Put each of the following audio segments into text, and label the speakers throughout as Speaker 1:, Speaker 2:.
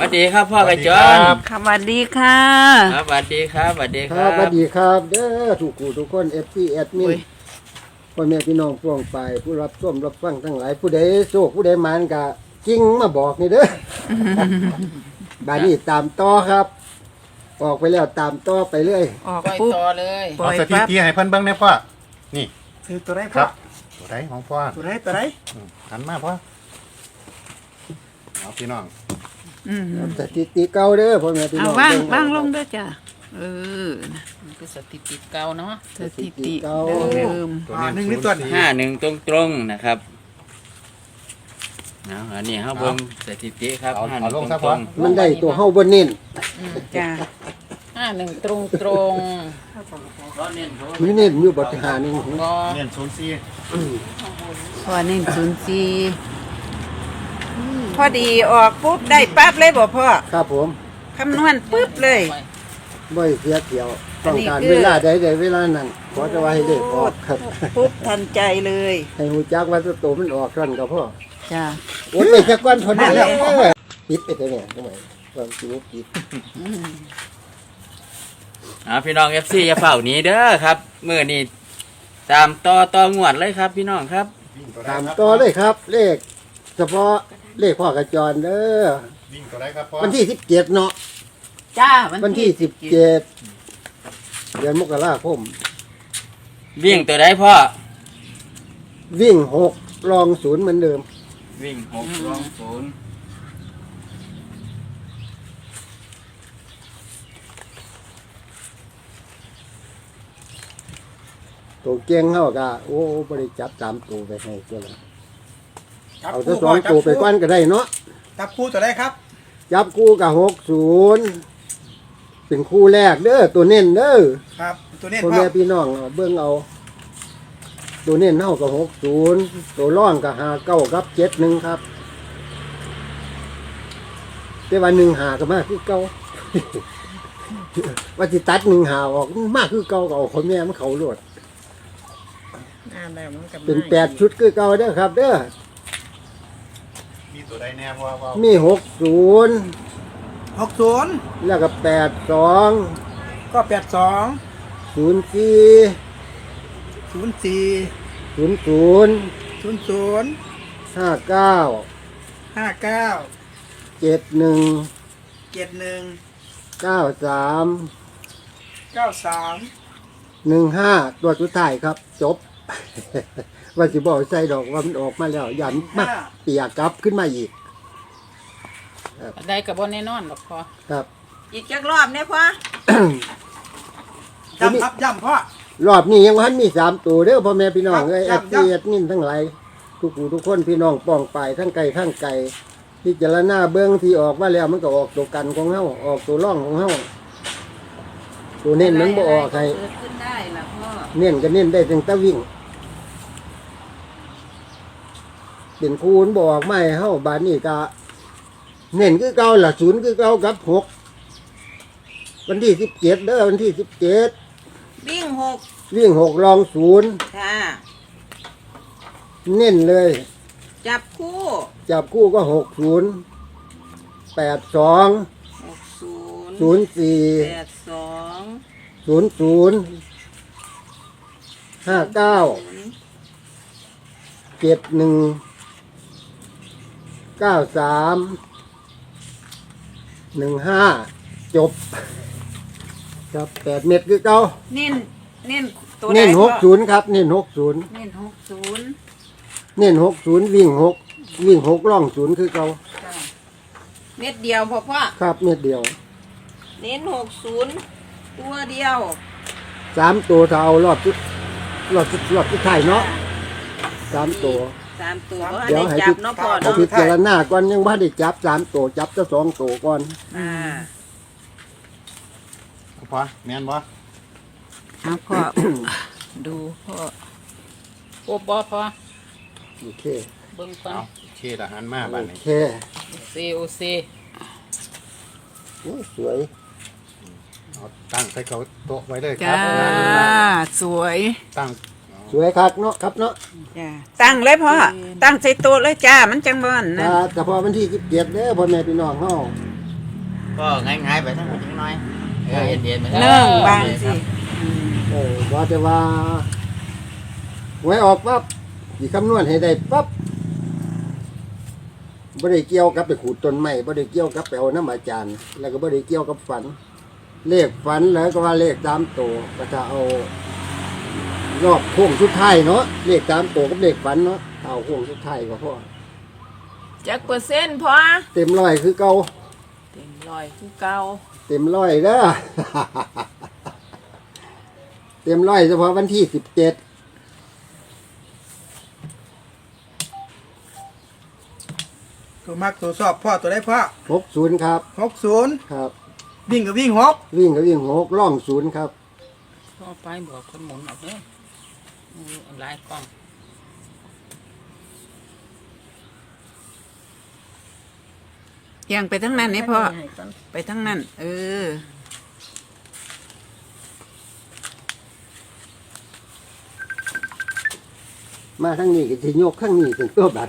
Speaker 1: วัสดีครับพ่อกระจร
Speaker 2: สวัสดีค่ะ
Speaker 1: ครับสวัสดีครับสวัสดีครับ
Speaker 3: สวัสดีครับเด้อทุกผู้ทุกคนFCแอดมินพ่อแม่พี่น้องพวงไปผู้รับชมรับฟังทั้งหลายผู้ใดโชคผู้ใดมานกะกิ้งมาบอกนี่เด้อ บาดนี้ตามต่อครับ ออกไปแล้วตามต่อไปเรื่อย
Speaker 2: ออก
Speaker 1: ปล่อย
Speaker 2: ปุ๊บ
Speaker 1: ต่อเลย
Speaker 2: ปล่
Speaker 4: เอา
Speaker 2: อย
Speaker 4: สถิ
Speaker 2: ปั๊บ
Speaker 4: ติให้เพิ่นเบิ่งได้พ่อนี่
Speaker 5: คือตัวไร
Speaker 4: ค
Speaker 5: พ่อ
Speaker 4: รับตัวไหนของพ่อ
Speaker 5: ตัวไรตัวไร
Speaker 4: หันมาพ่อเอาพี่น้อง
Speaker 3: สถิติเก่าเด้อพ่อแม่พี่
Speaker 2: เอา
Speaker 3: น้อง
Speaker 2: ว่าง
Speaker 3: เบิ่
Speaker 2: ว่างลงด้วยจ้ะ
Speaker 1: มันคือสถิติเก่าเนาะ
Speaker 2: สถิติเดิม
Speaker 4: ตัว
Speaker 5: หนึ่ง
Speaker 4: นี้
Speaker 5: นี่ตัว
Speaker 1: 51ตรงๆนะครับเอาอันนี้เฮาเบิ่งสถิติครับ51ตรงๆ
Speaker 3: มันได้ตัวเฮาบ่เน้น
Speaker 2: จ้ะ
Speaker 1: 51ตรงๆก็เน้นโทษ
Speaker 3: มีเน้นอยู่บ่หานึง
Speaker 1: ก็
Speaker 4: เน้น04
Speaker 2: พอ104พอดีออกปุ๊บได้ปั๊บเลยบ่พ่อ
Speaker 3: ครับผม
Speaker 2: คำนวณปุ๊บเลย
Speaker 3: บ่เสียเกี่ยว
Speaker 2: อั
Speaker 3: ต้
Speaker 2: น
Speaker 3: อง
Speaker 2: นี้
Speaker 3: การ
Speaker 2: คือ
Speaker 3: เวลาใดเวลานั้นขอจะว่าให้เลขออกครับ
Speaker 2: ปุ๊บทันใจเลย
Speaker 3: ให้ฮู้จักว่าตัวมันออกซั่นก็พอ
Speaker 2: จ้ะ
Speaker 3: โอ้ยไปสักวันพอดีแล้วปิดไปได้เนี่ยทำไมความจริงปิด
Speaker 1: พี่น้อง FC อย่าเฝ้าหนีเด้อครับมื้อนี้ตามต่องวดเลยครับพี่น้องครับ
Speaker 3: ตามต่อเลยครับ เลข เฉพาะเลขพ่อกระจรเด้อ
Speaker 4: วิ่งตัวไหนครับพ่อ
Speaker 3: วันที่17เนาะ
Speaker 2: จ้า
Speaker 3: วันที่17เดือนมกราคม
Speaker 1: วิ่งตัวใดพ่อ
Speaker 3: วิ่ง6รอง0เหมือนเดิม
Speaker 1: วิ่ง6รอง0
Speaker 3: ตัวเก่งเฮาก็โอ้บ่ได้จับ3ตัวไปให้ตัวละ
Speaker 5: จับ
Speaker 3: เอา
Speaker 5: คู่
Speaker 3: ทั้ง2ตัวไปก่อนก็ได้เนาะ
Speaker 5: จับคู่ตัวไรครับ
Speaker 3: จับคู่กับ60เป็นคู่แรกเด้อตัวเน้นเด้อ
Speaker 5: ครับตัวนี้
Speaker 3: พ่อ
Speaker 5: พ่อ
Speaker 3: แม่พี่น้องเอาเบิ่งเอา ตัวเน้นเฮากับ60ตัวร่องกับ59กับ71ครับแต่ว่า15ก็มาคือเก่า ว่าสิตัด15ออกมาคือเก่าก็เอาคนแม่มันเขาโลดเป็น8ชุดคือเก่าเด้อครับ เด้อ
Speaker 4: มีตัวใดแน่พ่อว่า
Speaker 3: มี60
Speaker 5: 60
Speaker 3: แล้วก็82
Speaker 5: ก็82
Speaker 3: 04
Speaker 5: 04
Speaker 3: 00
Speaker 5: 00
Speaker 3: 59
Speaker 5: 59
Speaker 3: 71
Speaker 5: 71
Speaker 3: 93
Speaker 5: 93
Speaker 3: 15ตัวสุดท้ายครับ จบ ว่าสิบอกใส่ดอกว่ามันออกมาแล้วยันมาเปียกกลับขึ้นมาอีก
Speaker 1: ได้กับบนแน่นอนหรอกพ่อ
Speaker 3: ครับ
Speaker 2: อีกจักรอบเนี่ยพ่อ
Speaker 5: ย้ำครับย้ำพ่อ
Speaker 3: รอบนี้ยังวันมี3ตัวเด้อพ่อแม่พี่น้องเอ้ย
Speaker 5: ค
Speaker 3: แอ
Speaker 5: รับ
Speaker 3: ดซีแอดมินทั้งหลายทุกผู้ทุกคนพี่น้องป้องไปทั้งไกลทั้งไกลพิจารณาเบื้องที่ออกมาแล้วมันก็ออกตัวกันของเฮาออกตัวร่องของเฮาตัวเน้นมันบ่ออกให้
Speaker 2: เกิดขึ้นได้ล่ะพ่อ
Speaker 3: เน้นก็เน้นได้ตั้งแต่วิ่งเป็นคูณบอกไม่เฮาบานนี้ก็เน้นคือเก่าล่ะ0คือเก่ากับ6วันที่17เด้อวันที่17
Speaker 2: วิ่ง
Speaker 3: วิ่ง6รอง0
Speaker 2: ค่ะ
Speaker 3: เน้นเลย
Speaker 2: จับคู่
Speaker 3: จับคู่ก็60 82
Speaker 2: 60
Speaker 3: 04
Speaker 2: 82
Speaker 3: 00 59 71 93 15จบครับ8เม็ดคือเก่า
Speaker 2: เน้นตัว
Speaker 3: เน้น
Speaker 2: ใดพ่อ
Speaker 3: 60ครับเน้น60
Speaker 2: เน้น60
Speaker 3: เน้น60วิ่ง6ร่อง0คือเก่า
Speaker 2: จ้ะเม็ดเดียวพ่อ
Speaker 3: ครับเม็ดเดียว
Speaker 2: เน้น60ตัวเดียว
Speaker 3: 3ตัวถ้าเอารอบสุดท้ายเนาะ3ตัว
Speaker 2: 3ตัวบ่
Speaker 3: เดี๋ยว
Speaker 2: ได้
Speaker 3: ให้
Speaker 2: จับเนาะพ่อ
Speaker 3: เอา
Speaker 2: เนาะ
Speaker 3: พิจารณาก่อนยังบ่ได้จับ3ตัวจับแต่2ตัวก่อน
Speaker 2: อ่า
Speaker 4: พ่อแม่นบ่
Speaker 2: เอาพ่อ ดูพ่อ
Speaker 1: โอ้บ่พ่อ
Speaker 3: โอเค
Speaker 1: เบิ่งก่อน
Speaker 4: เอาเชิดอาหารมาบ้าน
Speaker 3: โอ
Speaker 4: นี้
Speaker 3: เค
Speaker 1: COC
Speaker 3: โอ้สวย
Speaker 4: เอาตั้งใส่เขาโต๊ะไว้เลยค
Speaker 2: จ้า
Speaker 4: รับ
Speaker 2: สวย
Speaker 4: ตั้ง
Speaker 3: สวยครับเนาะครับเนาะ
Speaker 2: จ้าตั้งเลยพ่อตั้งใส่โต๊ะเลยจ้ามันจังบ่นนะ
Speaker 3: ถ้าเฉพาะวันที่17เด้อพ่อแม่พี่น้องเฮา
Speaker 1: ก็ง่ายๆไปทั้งหมดจังน้อยเย็นๆไป
Speaker 2: เนื่องบางสิ
Speaker 3: ว่าแต่ว่าไว้ออกปั๊บสิคำนวณให้ได้ปั๊บบ่ได้เกี่ยวกับไปขูดต้นไม้บ่ได้เกี่ยวกับไปเอาน้ำอาจารย์ แล้วก็บ่ได้เกี่ยวกับฝัน เลขฝันแล้วก็ว่าเลข3ตัวก็จะเอารอบโค้งสุดท้ายเนาะเลข3ตัวกับเลขฝันเนาะเอาโค้งสุดท้ายก็พอ
Speaker 2: จักเปอร์เซ็นต์พอ
Speaker 3: เต็มร้อยคือเก่า
Speaker 2: เต็มร้อยคือเก่า
Speaker 3: เต็มร้อยเด้อ เต็มร้อยเฉพาะวันที่17
Speaker 5: ตัวมักตัวสอบพ่อตัวได้พ่อ
Speaker 3: 60ครับ
Speaker 5: 60
Speaker 3: ครับ
Speaker 5: วิ่งกับวิ่ง6
Speaker 3: วิ่งก็วิ่ง6ล่อง0ครับ
Speaker 1: ก็ไปบอกคนหมุนออกเด้อหลายกล้อง
Speaker 2: ยังไปทั้งนั้นนี่พ่อไปทั้งนั้น
Speaker 3: มาทั้งนี้ก็จะยกข้างนี้เป็นตัวบัตร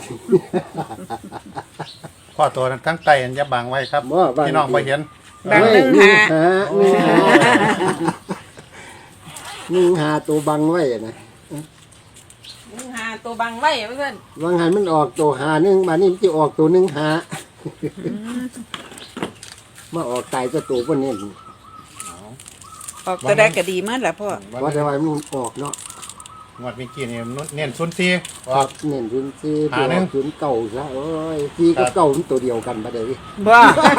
Speaker 4: พ่อตัวนั้นทั้งไตอันอยาบังไว้ครับ
Speaker 3: บ่บัง
Speaker 4: พี่น้องบ่เห็น
Speaker 2: บางหนึ่งหา
Speaker 3: หนึ่งหาตัวบังไว้นะ
Speaker 2: มึงหาตัวบังไว้เพื่อน
Speaker 3: บางหันมันออกตัวหาหนึ่งมานี่มันจะออกตัวหนึ่งหามาออกตายตัวพวกนี้
Speaker 2: ออกตัวได้ก็ดีมากแหละพ่อ
Speaker 3: ว่าแต่ว่ามันออกเนาะ
Speaker 4: งวดเมื่อกี้นี่เน้น04
Speaker 3: ครับเน้นศูนย์สี่
Speaker 4: หาหนึ่ง
Speaker 3: ศูนย์เก่าซะโอ้ยสี่กับเก่ามันตัวเดียวกันปะเดี๋ยวนี้
Speaker 2: บ้า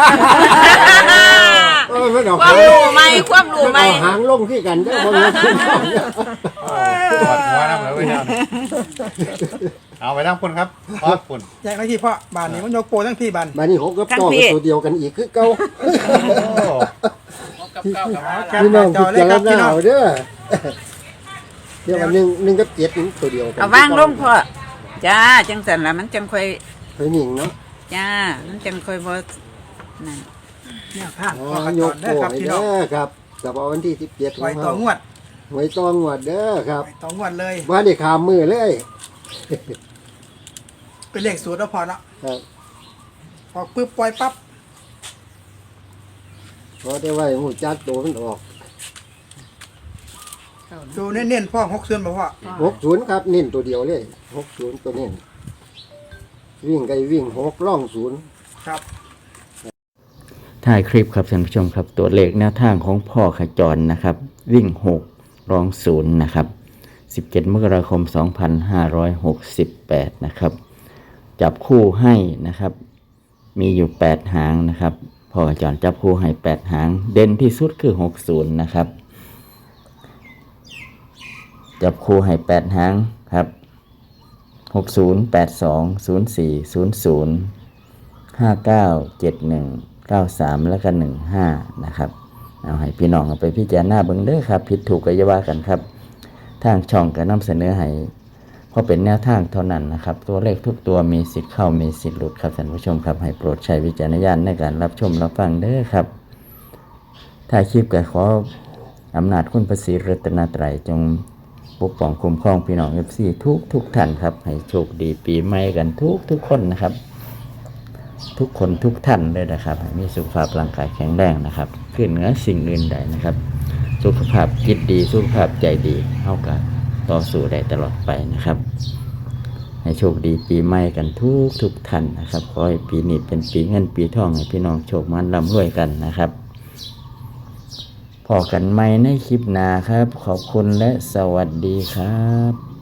Speaker 3: มันออก
Speaker 2: ความรู้ไหมความรู้ไหม
Speaker 3: มันเอาหางลงที่กันเด้อบ่แม่นขึ้นเอาเนี่ย
Speaker 4: ปวดหัวน้ำเลยไว้ยาวเอาไปทั้งพุ่นครับพ่อพุ่น
Speaker 5: แยกหน้าที่พ่อบ้านนี้มันยกโปรทั้งพี่บ้าน
Speaker 3: มานี่หกกับเก่าเป็นตัวเดียวกันอีกคือเก่า
Speaker 1: กับเก้ากับ
Speaker 5: แคป
Speaker 3: พี่
Speaker 5: ห
Speaker 3: น้
Speaker 5: น้า
Speaker 3: อง
Speaker 5: จ
Speaker 3: พิ
Speaker 5: อเลย
Speaker 3: จาร
Speaker 5: ครับพี่
Speaker 3: ณา
Speaker 5: น้อง
Speaker 3: เอาเด้อเดี๋ยวอันหนึ่งกับเจ็ดนี่ตัวเดียวกัน
Speaker 2: เอาวางลงพ่อจ้าจังสันละมันจังค่อย
Speaker 3: เฮ้ยหนิงเนาะ
Speaker 2: จ้ามันจังค่อยบ่นั่น
Speaker 5: เนี่ยท่าน
Speaker 3: อ๋อ
Speaker 5: พ่อข
Speaker 3: ย
Speaker 5: จ
Speaker 3: ก
Speaker 5: รได้
Speaker 3: โป้
Speaker 5: ครับ
Speaker 3: ให้
Speaker 5: พี่น้อ
Speaker 3: เด้
Speaker 5: ง
Speaker 3: อครับแต่ว่าวันที่17
Speaker 5: ไว้ต่องวด
Speaker 3: ไว้ตองวดเด้อครับ
Speaker 5: ไว้ต่องวดเลย
Speaker 3: ว่าได้ขามมือเลย
Speaker 5: เป็นเลขสูตรแล้วพอเนาะ
Speaker 3: ครับ
Speaker 5: ออกปึ๊บปล่อยปั๊บ
Speaker 3: พอได้ไว้หูจักตัวมันออก
Speaker 5: ดูเน้นๆพ่อ60บ่พ่อ
Speaker 3: 60ครับเน้นตัวเดียวเลย60ตัวเน้นวิ่งไกวิ่ง6ล่อง0
Speaker 5: ครับ
Speaker 1: ถ่ายคลิปครับท่านผู้ชมครับตัวเลขแนวทางของพ่อขจรนะครับ วิ่ง6รอง0นะครับ17มกราคม2568นะครับจับคู่ให้นะครับมีอยู่8หางนะครับพ่อขจรจับคู่ให้8หางเด่นที่สุดคือ60นะครับจับคู่ให้8หางครับ60 82 04 00 59 71 93 แล้วก็15นะครับเอาให้พี่น้องเอาไปพิจารณาเบิ่งเด้อครับผิดถูกก็อย่าว่ากันครับทางช่องก็นำเสนอให้เพราะเป็นแนวทางเท่านั้นนะครับตัวเลขทุกตัวมีสิทธิ์เข้ามีสิทธิ์หลุดครับท่านผู้ชมครับให้โปรดใช้วิจารณญาณในการรับชมรับฟังเด้อครับถ้าคลิปก็ขออำนาจคุณพระศรีรัตนตรัยจงปกป้องคุ้มครองพี่น้อง FC ทุกท่านครับให้โชคดีปีใหม่กันทุกคนนะครับทุกคนทุกท่านเลยนะครับให้มีสุขภาพร่างกายแข็งแรงนะครับขึ้นเหนือสิ่งอื่นใดนะครับสุขภาพจิตดีสุขภาพใจดีเท่ากันต่อสู้ได้ตลอดไปนะครับให้โชคดีปีใหม่กันทุกท่านนะครับขอให้ปีนี้เป็นปีเงินปีทองให้พี่น้องโชคมันร่ำรวยกันนะครับพอกันใหม่ในคลิปหน้าครับขอบคุณและสวัสดีครับ